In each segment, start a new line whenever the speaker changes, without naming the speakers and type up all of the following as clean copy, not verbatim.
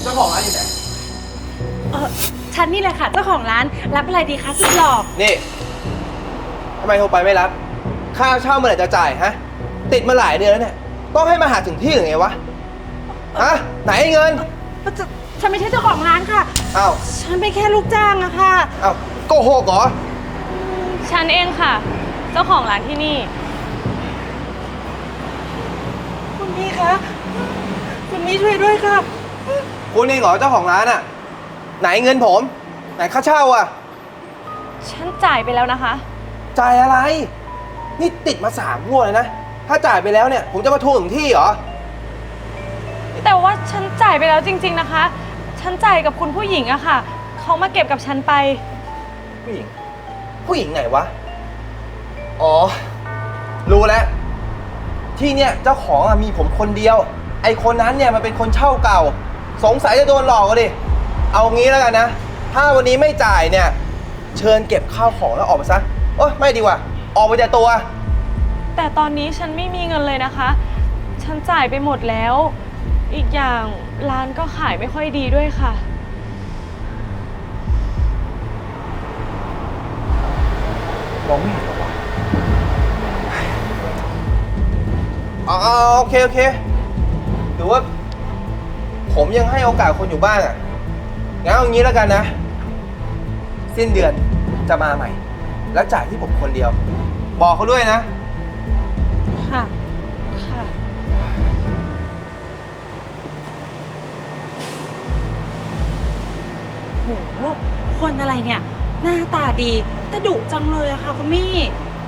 เจ้าของร้านอยู่ไหน
ฉันนี่แหละค่ะเจ้าของร้านรับอะไรดีคะสุดหล่อ
นี่ทำไมโทรไปไม่รับค่าเช่าเมื่อไหร่จะจ่ายฮะติดมาหลายเดือนแล้วเนี่ยต้องให้มาหาถึงที่หรือไงวะฮะไหนเงิน
ฉันไม่ใช่เจ้าของร้านค่ะ
อ้าว
ฉันเป็นแค่ลูกจ้างอะค่ะ
อ้าวโกหกเหรอ
ฉันเองค่ะเจ้าของร้านที่นี่
คุณพี่คะคุณพี่ช่วยด้วยค่ะ
คุณเองเหรอเจ้าของร้านอะไหนเงินผมไหนค่าเช่าอะ
ฉันจ่ายไปแล้วนะคะ
จ่ายอะไรนี่ติดมา3 งวดเลยนะถ้าจ่ายไปแล้วเนี่ยผมจะมาทวงถึงที่เหรอ
แต่ว่าฉันจ่ายไปแล้วจริงๆนะคะฉันจ่ายกับคุณผู้หญิงอะค่ะเขามาเก็บกับฉันไป
ผู้หญิงไหนวะอ๋อรู้แล้วที่เนี่ยเจ้าของมีผมคนเดียวไอคนนั้นเนี่ยมันเป็นคนเช่าเก่าสงสัยจะโดนหลอกก็ดิเอางี้แล้วกันนะถ้าวันนี้ไม่จ่ายเนี่ยเชิญเก็บข้าวของแล้วออกไปซะไม่ดีกว่าออกไปจากตัว
แต่ตอนนี้ฉันไม่มีเงินเลยนะคะฉันจ่ายไปหมดแล้วอีกอย่างร้านก็ขายไม่ค่อยดีด้วยค่ะ
มองไม่เห็นหรอวะโอเคหรือว่าผมยังให้โอกาสคนอยู่บ้างงั้นเอางี้แล้วกันนะสิ้นเดือนจะมาใหม่แล้วจ่ายที่ผมคนเดียวบอกเขาด้วยนะ
ค่ะ
โหคนอะไรเนี่ยหน้าตาดีแต่ดุจังเลยอะค่ะคุณมี่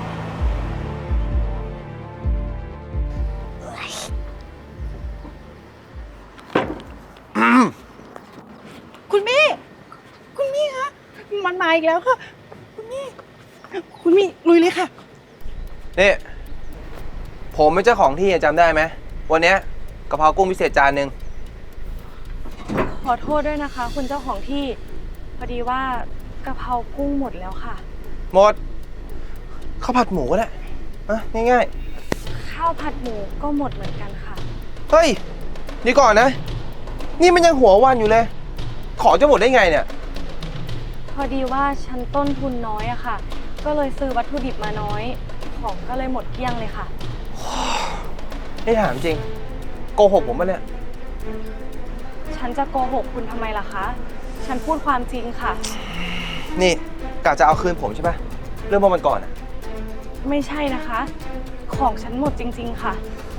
คุณมี่คะมันมาอีกแล้วค่ะคุณมี่ลุยเลยค่ะ
นี่ผมเป็นเจ้าของที่จำได้ไหมวันนี้กะเพรากุ้งพิเศษจานหนึ่ง
ขอโทษด้วยนะคะคุณเจ้าของที่พอดีว่ากะเพรากุ้งหมดแล้วค่ะ
หมดข้าวผัดหมูก็ได้ง่าย
ข้าวผัดหมูก็หมดเหมือนกันค่ะ
เฮ้ยนี่ก่อนนะนี่มันยังหัววันอยู่เลยของจะหมดได้ไงเนี่ย
พอดีว่าฉันต้นทุนน้อยอะค่ะก็เลยซื้อวัตถุดิบมาน้อยของก็เลยหมดเกลี้ยงเลยค่ะ
นี่ถามจริงโกหกผมปะเนี่ย
ฉันจะโกหกคุณทำไมล่ะคะฉันพูดความจริงค่ะ
นี่กะจะเอาคืนผมใช่ปะเรื่องเมื่อวันก่อน
ไม่ใช่นะคะของฉันหมดจริงๆค่ะ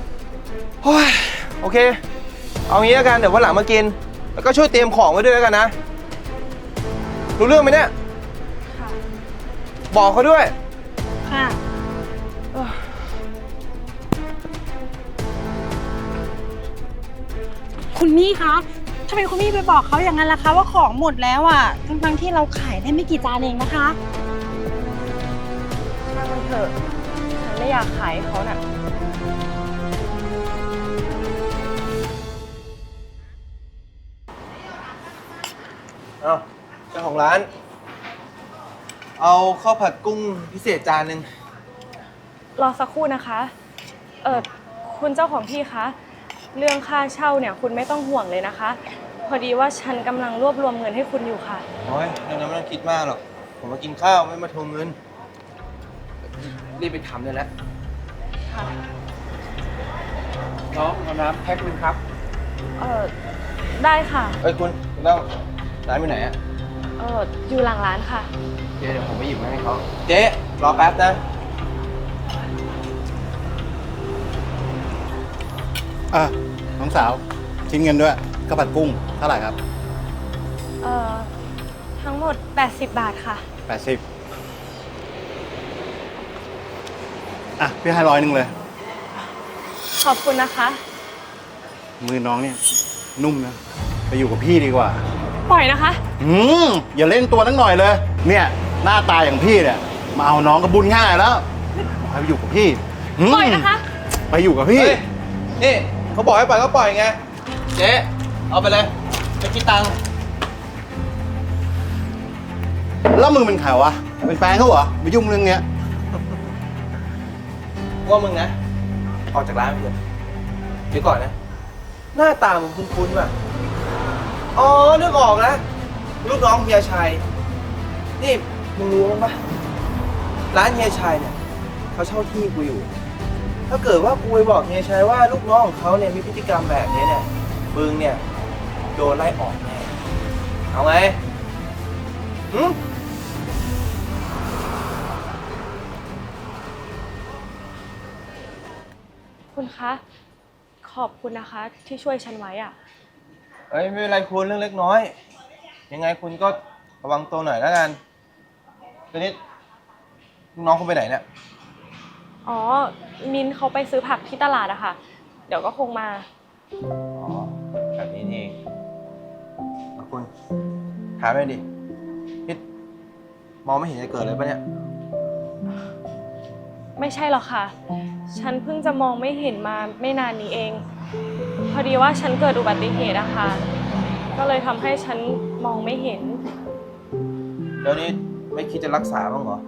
โอเคเอางี้แล้วกันเดี๋ยววันหลังมากินแล้วก็ช่วยเตรียมของไว้ด้วยแล้วกันนะรู้เรื่องไหมเนี่ย
ค่ะ
บอกเขาด้วย
ค่ะคุณมี่คะทำไมคุณมี่ไปบอกเขาอย่างนั้นล่ะคะว่าของหมดแล้วอ่ะทั้งที่เราขายได้ไม่กี่จานเองนะคะ
ช่างมันเถอะฉันไม่อยากขายเขาน่ะ
เจ้าของร้านเอาข้าวผัดกุ้งพิเศษจานหนึ่ง
รอสักครู่นะคะคุณเจ้าของที่คะเรื่องค่าเช่าเนี่ยคุณไม่ต้องห่วงเลยนะคะพอดีว่าฉันกำลังรวบรวมเงินให้คุณอยู่ค่ะ
โอ้ยเรื่องนั้นไม่ต้องคิดมากหรอกผมมากินข้าวไม่มาทวงเงินรีบไปทำเลยแล้ว
ค่ะ
น้องเอาน้ำแพ็คนึงครับ
ได้ค่ะ
คุณต้องร้านไปไหน
อยู่หลังร้านค่ะ
เดี๋ยวผมไปหยิบมาให้เขาเจ๊รอแป๊บนะ
น้องสาวชิ้นเงินด้วยข้าวผัดกุ้งเท่าไหร่ครับ
ทั้งหมด80 บาทค่ะ
80พี่ให้100เลย
ขอบคุณนะคะ
มือน้องเนี่ยนุ่มนะไปอยู่กับพี่ดีกว่า
ปล่อยนะคะ
อย่าเล่นตัวตั้งหน่อยเลยเนี่ยหน้าตาอย่างพี่เนี่ยมาเอาน้องกับบุญง่ายแล้วไปอยู่กับพี่
ปล่อยนะคะ
ไปอยู่กับพี่
นี่เขาบอกให้ปล่อยก็ปล่อยไงเจ๊เอาไปเลยไปคิดตังค์
แล้วมึงเป็นใครวะเป็นแฟนเขาเหรอไปยุ่งเรื่องเนี้ย
ว่ามึงนะออกจากร้านไปเถอะเดี๋ยวก่อนนะหน้าตามึงคุ้นๆว่ะอ๋อ นึกออกแล้วลูกน้องเฮียชัย นี่มึงรู้มั้งปะร้านเฮียชัยเนี่ยเขาเช่าที่กูอยู่ ถ้าเกิดว่ากูไปบอกเฮียชัยว่าลูกน้องของเขาเนี่ยมีพฤติกรรมแบบนี้เนี่ยมึงเนี่ยโดนไล่ออกแน่เอาไงหืม
คุณคะ ขอบคุณนะคะที่ช่วยฉันไว้อะ
เอ้ยไม่เป็นไรคุณเรื่องเล็กน้อย ยังไงคุณก็ระวังตัวหน่อยแล้วกันตอนนี้ลูกน้องคุณไปไหนเนี่ย
อ๋อ มินเขาไปซื้อผักที่ตลาดอะค่ะ เดี๋ยวก็คงมา
อ๋อแบบนี้นี่เองคุณถามไปดินี่มองไม่เห็นจะเกิดเลยปะเนี่ย
ไม่ใช่หรอกค่ะ ฉันเพิ่งจะมองไม่เห็นมาไม่นานนี้เอง พอดีว่าฉันเกิดอุบัติเหตุอะค่ะ ก็เลยทำให้ฉันมองไม่เห็น
เดี๋ยวนี้ไม่คิดจะรักษาบ้างเหรอ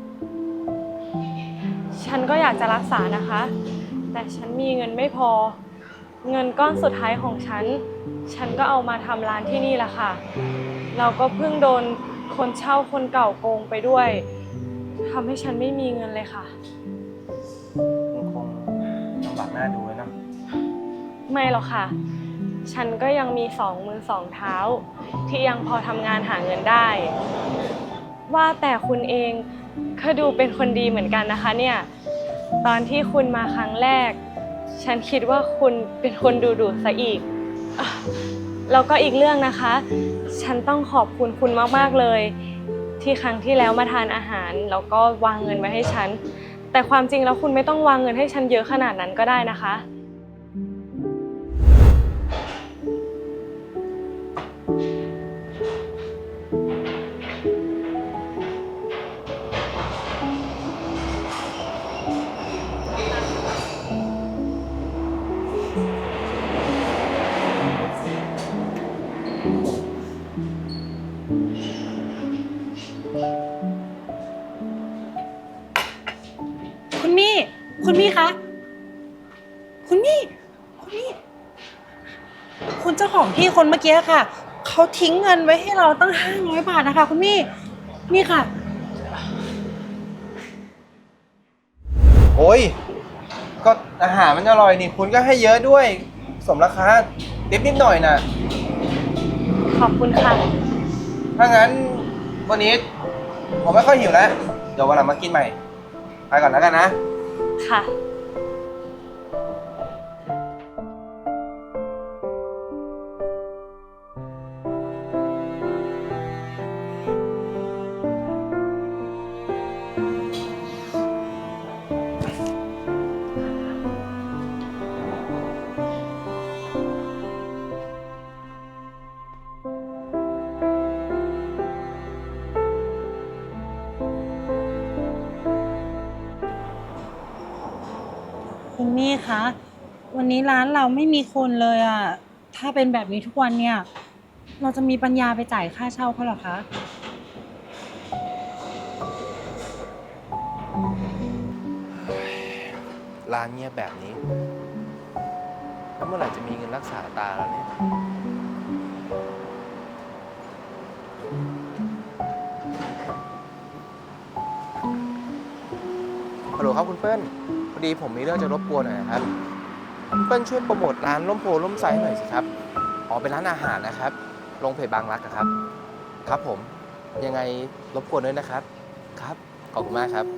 ฉันก็อยากจะรักษานะคะ แต่ฉันมีเงินไม่พอ เงินก้อนสุดท้ายของฉัน ฉันก็เอามาทำร้านที่นี่แหละค่ะ เราก็เพิ่งโดนคนเช่าคนเก่าโกงไปด้วยทำให้ฉันไม่มีเงินเลยค่ะ
มันคงลำบากหน้าดูเลยนะ
ไม่หรอกค่ะ ฉันก็ยังมีสองมือสองเท้า ที่ยังพอทำงานหาเงินได้ ว่าแต่คุณเองก็ดูเป็นคนดีเหมือนกันนะคะเนี่ย ตอนที่คุณมาครั้งแรก ฉันคิดว่าคุณเป็นคนดุๆซะอีกอ่ะแล้วก็อีกเรื่องนะคะ ฉันต้องขอบคุณคุณมากๆเลย ที่ครั้งที่แล้วมาทานอาหารแล้วก็วางเงินไว้ให้ฉัน แต่ความจริงแล้วคุณไม่ต้องวางเงินให้ฉันเยอะขนาดนั้นก็ได้นะคะ
คุณมี่ คุณมี่คะ คุณมี่ คุณมี่ คุณเจ้าของที่คนเมื่อกี้ค่ะ เขาทิ้งเงินไว้ให้เราตั้ง500 บาทนะคะ คุณมี่ นี่ค่ะ
โอ้ย ก็อาหารมันอร่อยนี่ คุณก็ให้เยอะด้วย สมราคาเด็บนิดหน่อยนะ
ขอบคุณค่ะ
ถ้างั้นวันนี้ผมไม่ค่อยหิวแล้ว เดี๋ยววันหลังมากินใหม่ ไปก่อนแล้วกันนะ
ค่ะ
คุณมี่คะ วันนี้ร้านเราไม่มีคนเลยอ่ะ ถ้าเป็นแบบนี้ทุกวันเนี่ย เราจะมีปัญญาไปจ่ายค่าเช่าเขาเหรอคะ
ร้านเงียบแบบนี้ แล้วเมื่อไหร่จะมีเงินรักษาตาแล้วเนี่ย ฮัลโหลครับคุณเปิ้ล พอดีผมมีเรื่องจะรบกวนหน่อยนะครับ คุณเปิ้ลช่วยโปรโมทร้านร่มโพร่มไซหน่อยสิครับ อ๋อเป็นร้านอาหารนะครับ ลงเพจบางรักอะครับ ครับผม ยังไงรบกวนด้วยนะครับ ครับ ขอบคุณมากครับ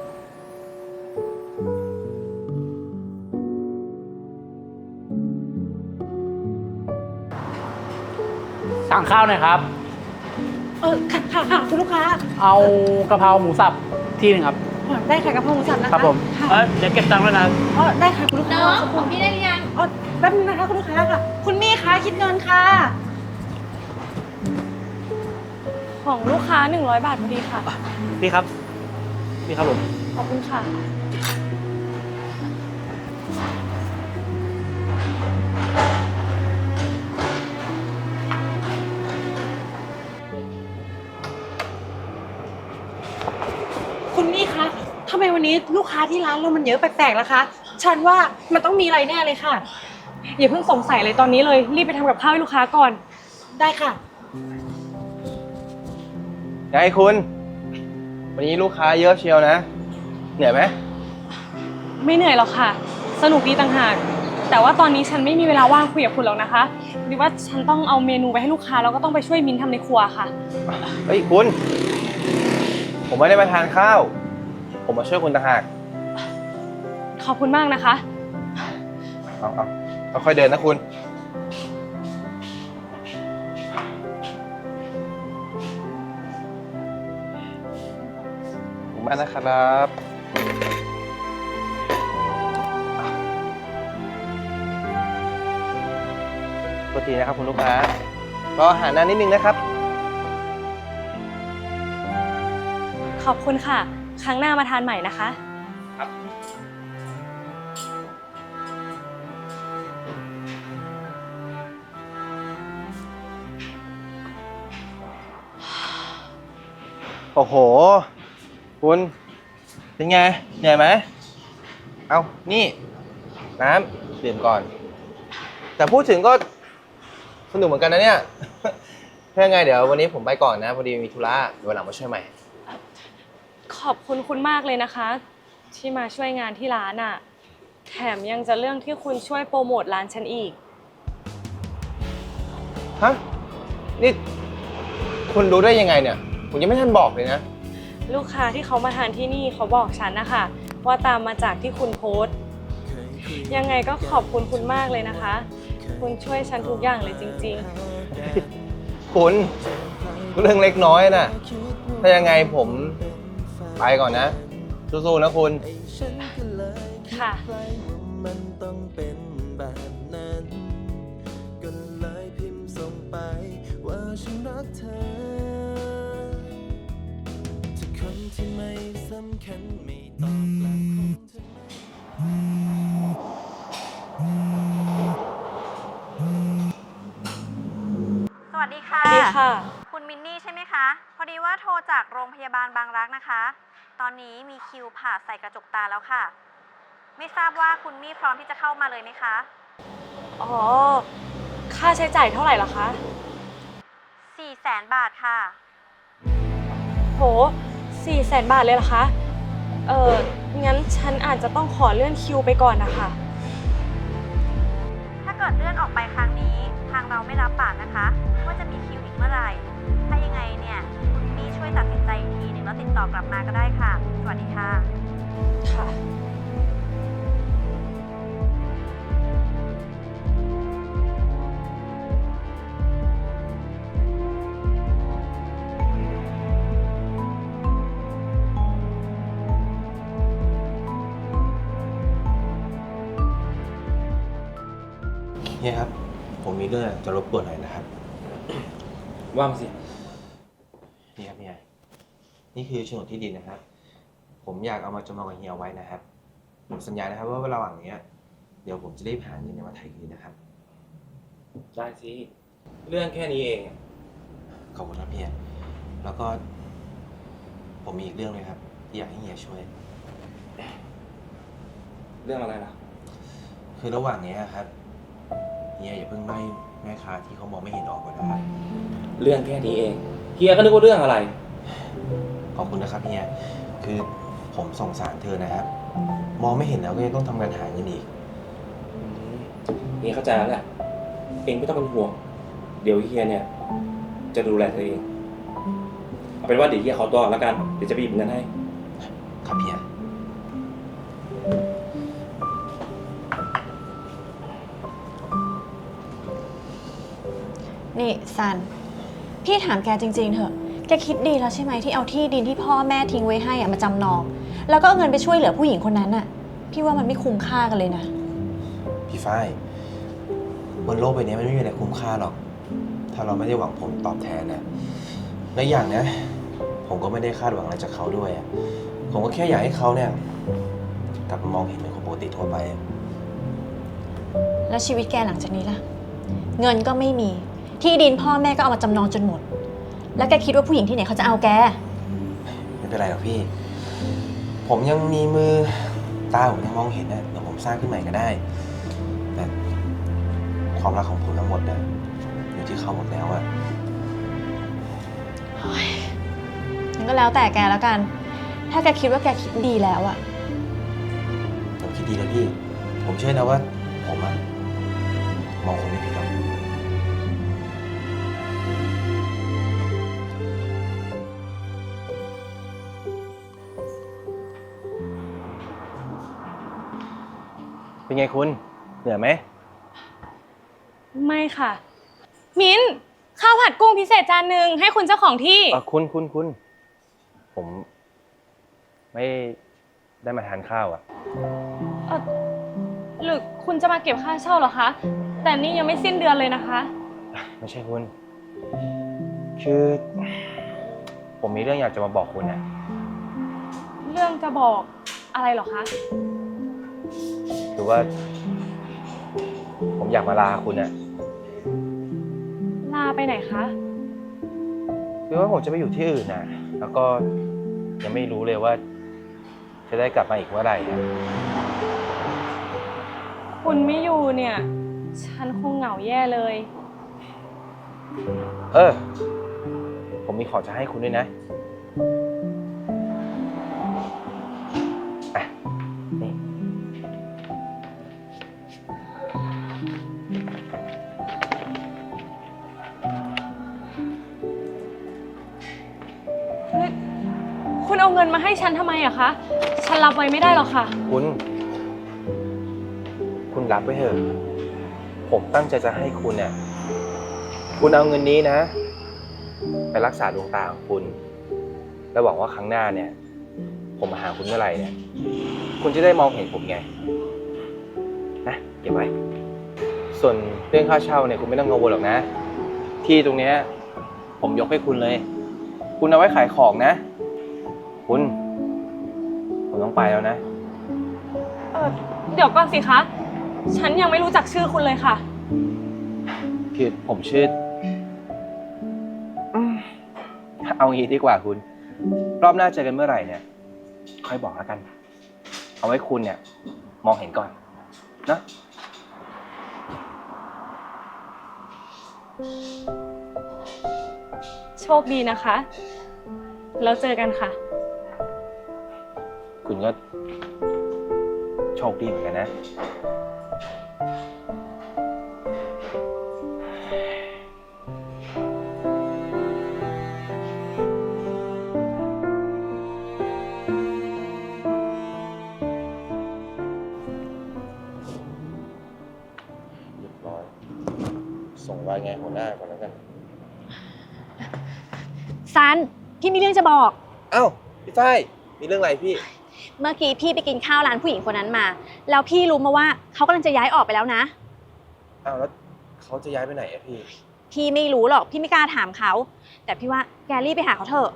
สั่งข้าวหน่อยครับ
ค่ะคุณลูกค้า
เอากะเพราหมูสับที่หนึ่งครับ
ได้ค่ะกระเพราหมูสับนะคะ
ครับผม
ค่ะ
เดี๋ยวเก็บตังค์ด้วยนะ
ได้ค่ะคุณลูกค้า
น้อง
สักค
ข
รู่
องพี่ได้หรือยัง
แป๊บนึงนะคะคุณลูกค้าค่ะ คุณมี่คะคิดเงินค่ะ
ของลูกค้า100 บาทพอดีค่ะ
นี่ครับ นี่ครับผม
ขอบคุณค่ะ
คุณมี่คะทำไมวันนี้ลูกค้าที่ร้านเรามันเยอะแปลกๆล่ะคะ ฉันว่ามันต้องมีอะไรแน่เลยค่ะ
อย่าเพิ่งสงสัยเลยตอนนี้เลย รีบไปทำกับข้าวให้ลูกค้าก่อน
อได้ค่ะ
ไงคุณ วันนี้ลูกค้าเยอะเชียวนะ เหนื่อยไหม
ไม่เหนื่อยหรอกค่ะ สนุกดีต่างหาก แต่ว่าตอนนี้ฉันไม่มีเวลาว่างคุยกับคุณแล้วนะคะหรือว่าฉันต้องเอาเมนูไปให้ลูกค้าแล้วก็ต้องไปช่วยมิ้นทำในครัวค่ะ
เฮ้ยคุณ ผมไม่ได้มาทานข้าว ผมมาช่วยคุณต่างหาก
ขอบคุณมากนะคะ
เอาค่อยๆเดินนะคุณ ขอบคุณมากนะครับปกตินะครับคุณลูกค้ารออาหารนานนิดนึงนะครับ
ขอบคุณค่ะ ครั้งหน้ามาทานใหม่นะคะ
โอ้โห คุณ เป็นไง เหนื่อยไหม เอานี่ น้ำดื่มก่อน แต่พูดถึงก็สนุกเหมือนกันนะเนี่ย ถ้ายังไงเดี๋ยววันนี้ผมไปก่อนนะ พอดีมีธุระเดี๋ยววันหลังมาช่วยใหม่
ขอบคุณคุณมากเลยนะคะ ที่มาช่วยงานที่ร้านอ่ะ แถมยังจะเรื่องที่คุณช่วยโปรโมทร้านฉันอีก
ฮะ นี่ คุณรู้ได้ยังไงเนี่ย ผมยังไม่ทันบอกเลยนะ
ลูกค้าที่เขามาทานที่นี่เขาบอกฉันนะคะว่าตามมาจากที่คุณโพสต์ ยังไงก็ขอบคุณคุณมากเลยนะคะ คุณช่วยฉันทุกอย่างเลยจริง
คุณเรื่องเล็กน้อยน่ะ ถ้ายังไงผมไปก่อนนะ สู้ๆนะคุณ
ๆ ค่ะ
มันต้องเป็นแบบนั้นก็เลยพิมพ์ส่งไปว่าฉันรักเธอถ้าคนที่ไม่สำคัญไม่ตอบแล้วคงจะไม่
สวัสดีค่ะ
สวัสดีค่ะ
คุณมินนี่ใช่ไหมคะ พอดีว่าโทรจากโรงพยาบาลบางรักนะคะ ตอนนี้มีคิวผ่าใส่กระจกตาแล้วค่ะ ไม่ทราบว่าคุณมี่พร้อมที่จะเข้ามาเลยไหมคะ
อ๋อ ค่าใช้จ่ายเท่าไหร่ล่ะคะ
400,000 บาทค่ะ
โห 400,000 บาทเลยเหรอคะ งั้นฉันอาจจะต้องขอเลื่อนคิวไปก่อนนะคะ
ถ้าเกิดเลื่อนออกไปครั้งนี้ ทางเราไม่รับปากนะคะ ว่าจะมีคิวอีกเมื่อไหร่ ถ้ายังไงเนี่ยคุณมี่ช่วยตัดสินใจอีกทีหนึ่งแล้วติดต่อกลับมาก็ได้ค่ะ สวัสดีค่ะ
ค่ะ
เนี่ยครับ ผมมีเรื่องจะรบกวนหน่อยนะครับ
ว่ามาสิ
นี่ครับเนี่ยนี่คือโฉนดที่ดินนะครับ ผมอยากเอามาจำนองกับเฮียไว้นะครับ ผมสัญญานะครับว่าระหว่างนี้เดี๋ยวผมจะรีบหาเงินมาไถ่คืนนะครับ
ได้สิ เรื่องแค่นี้เอง
ขอบคุณครับเฮียแล้วก็ ผมมีอีกเรื่องเลยครับที่อยากให้เฮียช่วย
เรื่องอะไรล่ะ
คือระหว่างนี้ครับเฮียอย่าเพิ่งไล่แม่ค้าที่เขามองไม่เห็นออกก่อนนะครับ
เรื่องแค่นี้เอง เฮียก็นึกว่าเรื่องอะไร
ขอบคุณนะครับเฮียคือผมสงสารเธอนะครับ มองไม่เห็นแล้วก็ยังต้องทำงานหาเงินอีก
เฮียเข้าใจแล้วแหละ เองไม่ต้องเป็นห่วง เดี๋ยวเฮียเนี่ย จะดูแลเธอเอง เอาเป็นว่าเดี๋ยวเฮียขอตัวก่อนแล้วกัน เดี๋ยวจะไปหยิบเงินให้
ครับเฮีย
นี่ซัน พี่ถามแกจริงๆเถอะ แกคิดดีแล้วใช่ไหมที่เอาที่ดินที่พ่อแม่ทิ้งไว้ให้อะมาจำนอง แล้วก็เอาเงินไปช่วยเหลือผู้หญิงคนนั้นอะพี่ว่ามันไม่คุ้มค่ากันเลยนะ
พี่ฝ้ายบนโลกใบนี้มันไม่มีอะไรคุ้มค่าหรอก ถ้าเราไม่ได้หวังผลตอบแทนนะและอย่างนะ ผมก็ไม่ได้คาดหวังอะไรจากเขาด้วยอะผมก็แค่อยากให้เขาเนี่ยกลับมามองเห็นเป็นคนปกติทั่วไป
แล้วชีวิตแกหลังจากนี้ล่ะ เงินก็ไม่มี ที่ดินพ่อแม่ก็เอามาจำนองจนหมด แล้วแกคิดว่าผู้หญิงที่ไหนเขาจะเอาแก
ไม่เป็นไรหรอกพี่ ผมยังมีมือตาผมยังมองเห็นนะเดี๋ยวผมสร้างขึ้นใหม่ก็ได้ แต่ความรักของผมทั้งหมดนะอยู่ที่เขาหมดแล้วอะ
งั้นก็แล้วแต่แกแล้วกัน ถ้าแกคิดว่าแกคิดดีแล้วอะ
ผมคิดดีแล้วพี่ ผมเชื่อนะว่าผมอะมองคนไม่ผิดหรอกเป็นไงคุณ เหนื่อยไหม
ไม่ค่ะ มิ้นข้าวผัดกุ้งพิเศษจานหนึ่งให้คุณเจ้าของที่
คุณ ผมไม่ได้มาทานข้าวอ่ะ
หรือคุณจะมาเก็บค่าเช่าเหรอคะ แต่นี่ยังไม่สิ้นเดือนเลยนะคะ
ไม่ใช่คุณ คือ ผมมีเรื่องอยากจะมาบอกคุณนะ
เรื่องจะบอกอะไรเหรอคะ
คือว่า ผมอยากมาลาคุณนะ
ลาไปไหนคะ
คือว่าผมจะไปอยู่ที่อื่นนะแล้วก็ยังไม่รู้เลยว่า จะได้กลับมาอีกเมื่อไหร่นะ
คุณไม่อยู่เนี่ย ฉันคงเหงาแย่เลย
ผมมีของจะให้คุณด้วยนะอ่ะนี่
คุณเอาเงินมาให้ฉันทำไมอะคะ ฉันรับไว้ไม่ได้หรอกค่ะ
คุณรับไว้เถอะ ผมตั้งใจจะให้คุณเนี่ย คุณเอาเงินนี้นะ ไปรักษาดวงตาของคุณ แล้วหวังว่าครั้งหน้าเนี่ย ผมมาหาคุณเมื่อไหร่เนี่ย คุณจะได้มองเห็นผมไง นะเก็บไว้ ส่วนเรื่องค่าเช่าเนี่ยคุณไม่ต้องกังวลหรอกนะ ที่ตรงเนี้ยผมยกให้คุณเลย คุณเอาไว้ขายของนะ ผมต้องไปแล้วนะ
เดี๋ยวก่อนสิคะ ฉันยังไม่รู้จักชื่อคุณเลยค่ะ
คือผมชื่อเอางี้ดีกว่าคุณ รอบหน้าเจอกันเมื่อไหร่เนี่ย ค่อยบอกแล้วกัน เอาไว้คุณเนี่ย มองเห็นก่อนนะ
โชคดีนะคะ แล้วเจอกันค่ะ
คุณก็โชคดีเหมือนกันนะ เรียบร้อย ส่งรายงานหัวหน้าก่อนแล้วกัน
ซัน พี่มีเรื่องจะบอก
เอ้า พี่ฝ้าย มีเรื่องอะไรพี่
เมื่อกี้พี่ไปกินข้าวร้านผู้หญิงคนนั้นมา แล้วพี่รู้มาว่าเขากำลังจะย้ายออกไปแล้วนะ
เอ้าแล้วเขาจะย้ายไปไหนอะพี่
พี่ไม่รู้หรอก พี่ไม่กล้าถามเขา แต่พี่ว่าแกรีบไปหาเขาเถอะ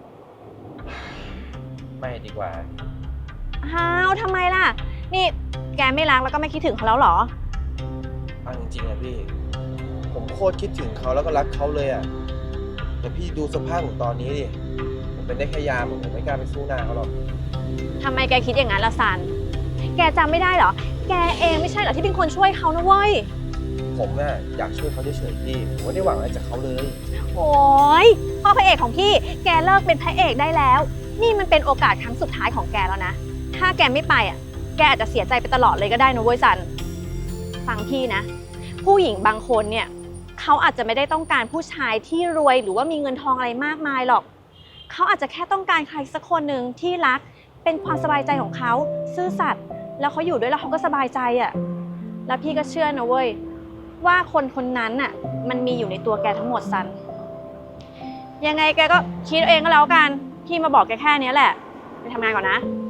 ไม่ดีกว่า
อ้าวทำไมล่ะ นี่แกไม่รักแล้วก็ไม่คิดถึงเขาแล้วเหรอ
เอาจริงๆอะพี่ ผมโคตรคิดถึงเขาแล้วก็รักเขาเลยอะแต่พี่ดูสภาพผมตอนนี้ดิ ผมเป็นได้แค่ยามผมไม่กล้าไปสู้หน้าเขาหรอก
ทำไมแกคิดอย่างนั้นล่ะซัน แกจำไม่ได้เหรอ แกเองไม่ใช่เหรอที่เป็นคนช่วยเขานะเว้ย
ผมน่ะอยากช่วยเขาเฉยๆพี่ ผมไม่ได้หวังอะไรจากเขาเลย
โอ้ยพ่อพระเอกของพี่ แกเลิกเป็นพระเอกได้แล้ว นี่มันเป็นโอกาสครั้งสุดท้ายของแกแล้วนะ ถ้าแกไม่ไปอ่ะ แกอาจจะเสียใจไปตลอดเลยก็ได้นะเว้ยซัน ฟังพี่นะ ผู้หญิงบางคนเนี่ยเขาอาจจะไม่ได้ต้องการผู้ชายที่รวยหรือว่ามีเงินทองอะไรมากมายหรอก เขาอาจจะแค่ต้องการใครสักคนหนึ่งที่รัก เป็นความสบายใจของเขาซื่อสัตย์แล้วเขาอยู่ด้วยแล้วเขาก็สบายใจอ่ะ แล้วพี่ก็เชื่อนะเว้ยว่าคนคนนั้นน่ะมันมีอยู่ในตัวแกทั้งหมดซัน ยังไงแกก็คิดเอาเองก็แล้วกัน พี่มาบอกแกแค่นี้แหละ ไปทำงานก่อนนะ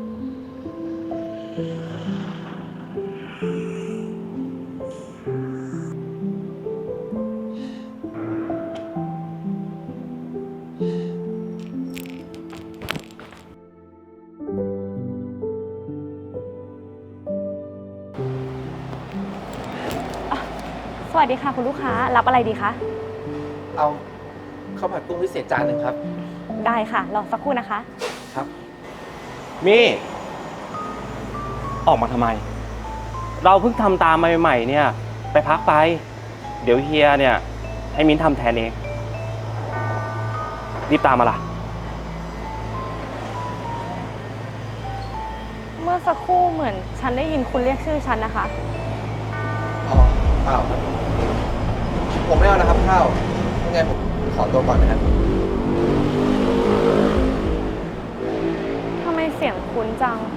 สวัสดีค่ะคุณลูกค้า รับอะไรดีคะ
เอาข้าวผัดกุ้งพิเศษจานหนึ่งครับ
ได้ค่ะ รอสักครู่นะคะ
ครับ
มี่ ออกมาทำไม เราเพิ่งทำตามมาใหม่ๆเนี่ย ไปพักไป เดี๋ยวเฮียเนี่ย จให้มิ้นทำแทนเอง รีบตามมาล่ะ
เมื่อสักครู่เหมือนฉันได้ยินคุณเรียกชื่อฉันนะคะ
อ๋อเปล่าครับผมไม่เอานะครับข้าวยังไงผมขอตัวก่อนนะครับ
ทำไมเสียงคุ้นจัง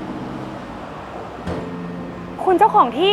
คุณเจ้าของที่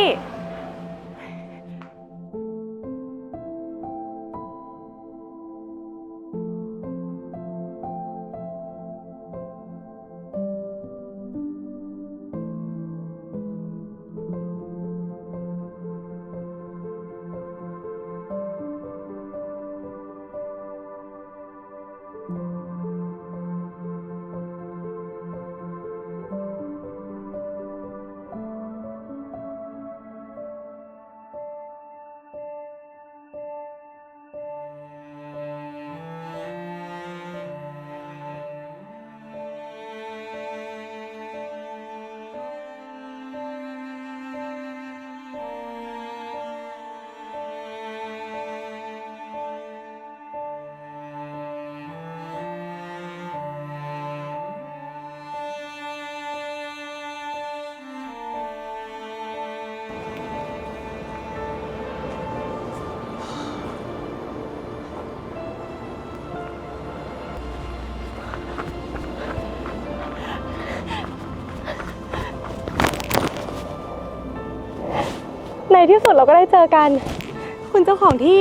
ในที่สุดเราก็ได้เจอกัน คุณเจ้าของที่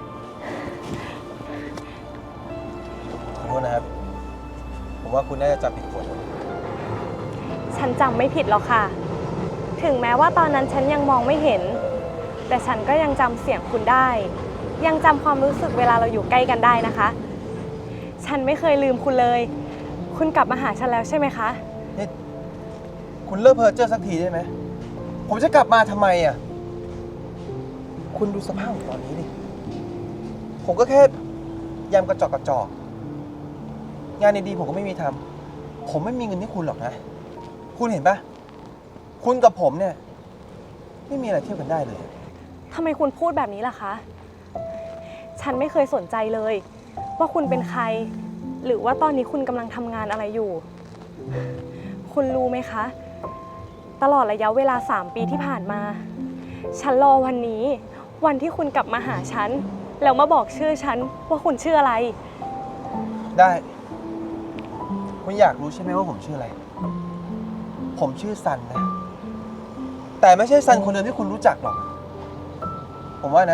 ขอโทษนะครับ ผมว่าคุณน่าจะจำผิดคน
ฉันจำไม่ผิดหรอกค่ะ ถึงแม้ว่าตอนนั้นฉันยังมองไม่เห็น แต่ฉันก็ยังจำเสียงคุณได้ ยังจำความรู้สึกเวลาเราอยู่ใกล้กันได้นะคะ ฉันไม่เคยลืมคุณเลย คุณกลับมาหาฉันแล้วใช่ไหมคะ
นี่คุณเลิกเพ้อเจ้อสักทีได้ไหม ผมจะกลับมาทำไมอ่ะ คุณดูสภาพของตอนนี้ดิ ผมก็แค่ยำกระจอกกระจอก งานดีๆผมก็ไม่มีทำ ผมไม่มีเงินให้คุณหรอกนะ คุณเห็นปะคุณกับผมเนี่ย ไม่มีอะไรเทียบกันได้เลย
ทำไมคุณพูดแบบนี้ล่ะคะ ฉันไม่เคยสนใจเลย ว่าคุณเป็นใคร หรือว่าตอนนี้คุณกำลังทำงานอะไรอยู่ คุณรู้ไหมคะ ตลอดระยะเวลา3 ปีที่ผ่านมา ฉันรอวันนี้ วันที่คุณกลับมาหาฉัน แล้วมาบอกชื่อฉันว่าคุณชื่ออะไร
ได้ คุณอยากรู้ใช่ไหมว่าผมชื่ออะไร ผมชื่อซันนะ แต่ไม่ใช่ซันคนเดิมที่คุณรู้จักหรอก ผมว่านะ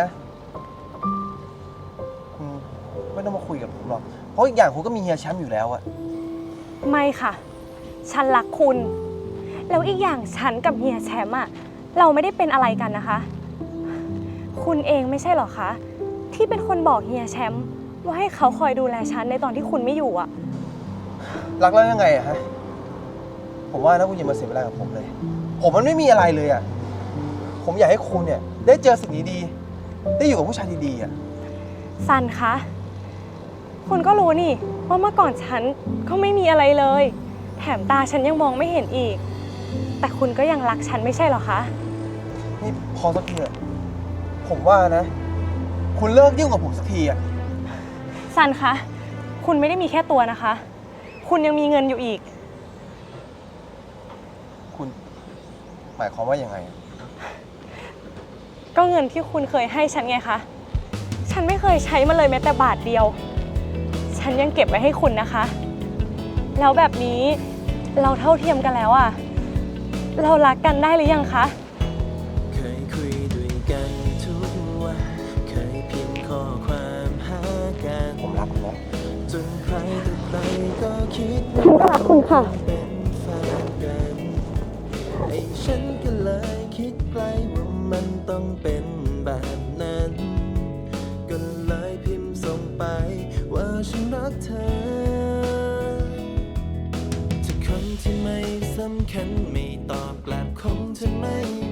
คุณไม่ต้องมาคุยกับผมหรอก เพราะอีกอย่างคุณก็มีเฮียแชมป์อยู่แล้วอะ
ไม่ค่ะ ฉันรักคุณ แล้วอีกอย่างฉันกับเฮียแชมป์อะเราไม่ได้เป็นอะไรกันนะคะ คุณเองไม่ใช่หรอคะ ที่เป็นคนบอกเฮียแชมป์ว่าให้เขาคอยดูแลฉันในตอนที่คุณไม่อยู่อะ
รักแล้วยังไงอะฮะ ผมว่านะคุณอย่ามาเสียเวลากับผมเลย ผมมันไม่มีอะไรเลยอะผมอยากให้คุณเนี่ยได้เจอสิ่งดีๆได้อยู่กับผู้ชายดีๆอะ
ซันคะ คุณก็รู้นี่ว่าเมื่อก่อนฉันก็ไม่มีอะไรเลย แถมตาฉันยังมองไม่เห็นอีก แต่คุณก็ยังรักฉันไม่ใช่หรอคะ
นี่พอสักทีเถอะผมว่านะ คุณเลิกยุ่งกับผมสักทีอะ
ซันคะ คุณไม่ได้มีแค่ตัวนะคะ คุณยังมีเงินอยู่อีก
คุณหมายความว่ายังไงอะ
ก็เงินที่คุณเคยให้ฉันไงคะ ฉันไม่เคยใช้มันเลยแม้แต่บาทเดียว ฉันยังเก็บไว้ให้คุณนะคะ แล้วแบบนี้เราเท่าเทียมกันแล้วอะเรารักกันได้หรือยังคะ
เคยคุยด้วยกันทุกวัน เคยพิมพ์ข้อความหากัน
ผมรักคุณนะ
จนใครต่อใครก็คิด
ฉันก็รักคุณค่ะ
เป็นแฟนกันไอ้ฉันก็เลยคิดไกลว่ามันต้องเป็นแบบนั้น ก็เลยพิมพ์ส่งไปว่าฉันรักเธอถ้าคนที่ไม่สำคัญไม่ตอบกลับคงจะไม่